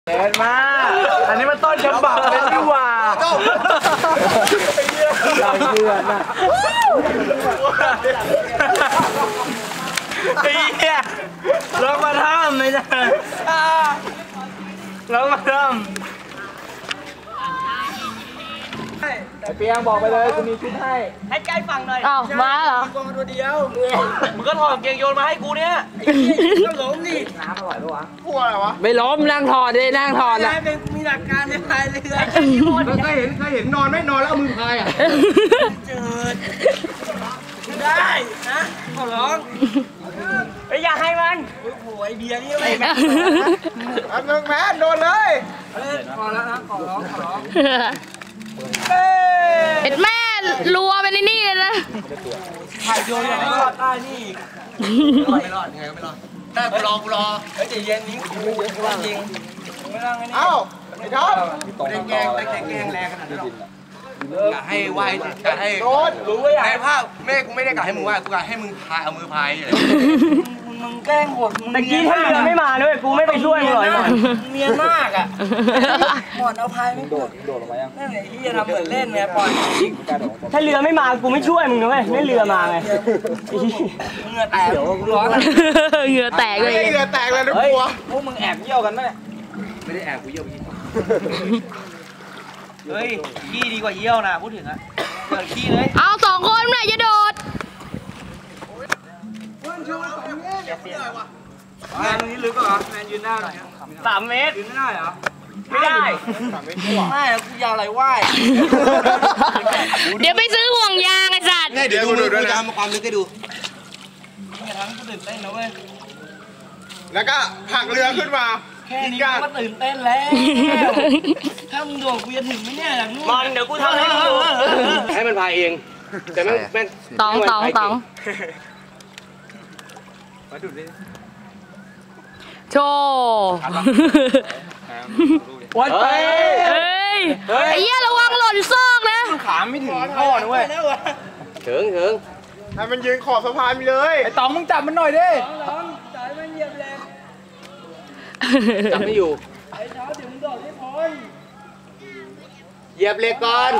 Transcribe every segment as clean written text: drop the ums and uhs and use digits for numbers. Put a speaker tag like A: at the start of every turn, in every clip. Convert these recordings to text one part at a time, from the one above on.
A: เดินมาอันนี้มันต้นฉบับเลยดีกว่าเราเชื่อนะไอ้เหี้ยลองมาทำไม่ได้ลองมาทำไอ้เปียงบอกไปเลยกูมีชุดให้ใกล้ฝั่งหน่อย
B: อ้าวมาเหรอ
A: ตัวตัวเดียวมึงก็ถอดเกงโยนมาให้กูเนี่ยไอ้เหี้ยล้มดิน้ำอร่อยปะวะพวกอะไรวะ
B: ไม่ล้มนั่งถอดดินั่งถอดนะ
A: มีหลักการในพายเรือเคยเห็นนอนไม่นอนแล้วเอามือพายอ่ะเจิดได้นะขอร้องไอ้อย่าให้มันโอ้โหไอเบียร์นี่ไม่อันนึงแม่โดนเลยขอแล้วนะขอร้อง
B: เห็นแม่รัวไปในนี่เลยนะ
A: ถ่ายโยนไม่รอดใต้นี่อีกไม่รอดไงก็ไม่รอดได้กูรอเฮ้ยใจเย็นนี้จริงไม่ต้องไอ้นี่เอ้าไอ้ท็อปได้แกงแรงขนาดนั้นกะให้ไหวกะให้รู้ว่าอยากให้ภาพแม่กูไม่ได้กะให้มึงไหวกูกะให้มึงพายเอามือพายเลยมึงแกล้งโหดแต่กี้ถ้าเรือไม่มาด้วยกูไม่ไปช่วยมึงหรอกเมียมากอ่ะหมอนเอาพายไม่โดดลงมายังนั่นแหละที่จะทำเหมือนเล่นเนี่ยปล่อยถ้าเรือไม่มากูไม่ช่วยมึงนะเว้ยไม่เรือมาไงเหงื่อแตกเดี๋ยวกูร้อน
B: เหงื่อแตกเลย
A: เหงื่อแตกเลยทุกตัวพวกมึงแอบเยี่ยวกันไหมไม่ได้แอบกูเยี่ยวเฮ้ยขี้ดีกว่าเยี่ยวนะพูดถึงอะเปิดขี้เลย
B: เอา2 คนไหนจะโดด
A: แมนตรงนี้ลึกเหรอแมนยืนได้ไหม3 เมตรยืนไม่ได้เหรอไม่ได้ไม่กูยาวอะไรว่าย
B: เดี๋ยวไปซื้อห่วงยางไอ้สัตว์
A: เดี๋ยวดูด้วยนะมาความลึกให้ดูนี่ทั้งกูตื่นเต้นนะเว้ยแล้วก็ผักเรือขึ้นมาแค่นี้ก็ตื่นเต้นแล้วถ้ามึงโดดกูจะถึงไหมเนี่ยอย่างนู้นมันเดี๋ยวกูทำให้ดูให้มันพายเองแต่แม่ง
B: ตอง
A: มาดูดิ
B: โชว์
A: วัดไป
B: เฮ้ยไอ้เหี้ยระวังหล่นซอกนะ
A: ขาไม่ถึงท่อนะเว้ยถึงให้มันยืนขอบสะพานไปเลยไอ้ตองมึงจับมันหน่อยดิจับมันเหยียบแรงจับไม่อยู่ไอ้เท้าเดี๋ยวมึงโดดไม่พ้นเหยียบเหล็กก่อน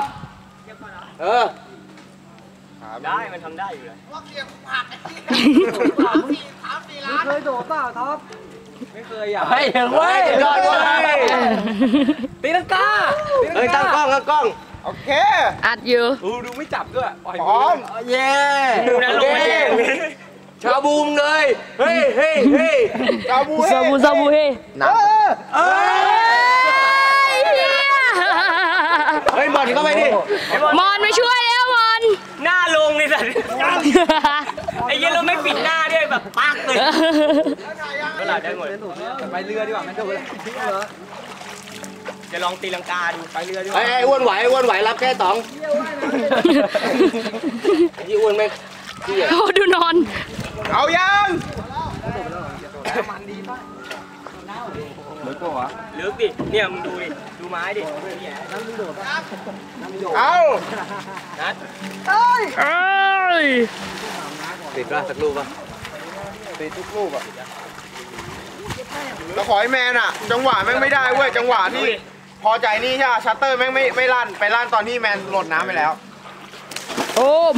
A: ได้มันทำได้อยู่เลยว่าเกียร์ผัก3-4 ล้านเคยโดดเปล่าท็อปไม่เคยอ่ะเฮ้ยเว้ยยอดเว้ยตีลังกาเฮ้ยตั้งกล้องโอเค
B: อัดอยู่
A: ดูไม่จับด้วยพร้อมเย้ชาบูมเลยเฮ้ยชาบูเฮ้ยเฮ้ยบอลเข้าไปดิ
B: มอนมาช่วยแล้วมอน
A: หน้าลงเลยสัตว์ไอ้เหี้ยเราไม่ปิดหน้าด้วยแบบปักเลยก็หลายได้หมดไปเรือดีกว่าไม่ถูกเลยจะลองตีลังกาดูไปเรือดีกว่าไอ้อ้วนไหวรับแค่2ยี่อ้วนไหม
B: โอ้ดูนอน
A: เอายังมันดีป่ะลึกปะวะลึกดิเนี่ยมึงดูดิดูไม้ดิเอานัดติดป่ะสักลูกป่ะติดทุกลูกอ่ะเราขอให้แมนอ่ะจังหวะแม่งไม่ได้เว้ยจังหวะที่พอใจนี่ใช่ไหมชัตเตอร์แม่งไม่ลั่นไปลั่นตอนที่แมนหล่นน้ำไปแล้ว
B: โอม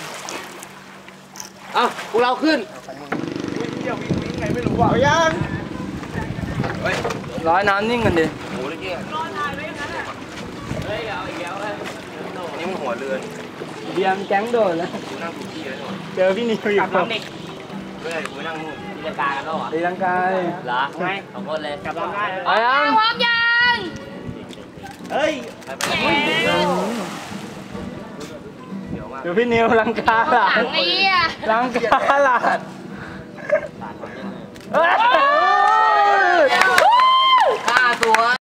A: พวกเราขึ้นวิ่งไงไม่รู้อ่ะยังร้อยน้ำนิ่งกันดิโอ้ยเกี้ยเฮ้ยเอาอีกแล้วนี่มันหัวเรือนเบียร์แก๊งโดดแล้วนั่งถูกที่เลยเจอพี่นิวอยู่กับเด็กเฮ้ยกูนั่งนู่นตีลังกากันแล้วเหรอตีลังกาเหรอไง2 คนเลยกลับลำได้เลย
B: พร้อมยัง
A: เฮ้ยเดี๋ยวพี่นิวลังกาหลานลังกาหลานฆ่าตัว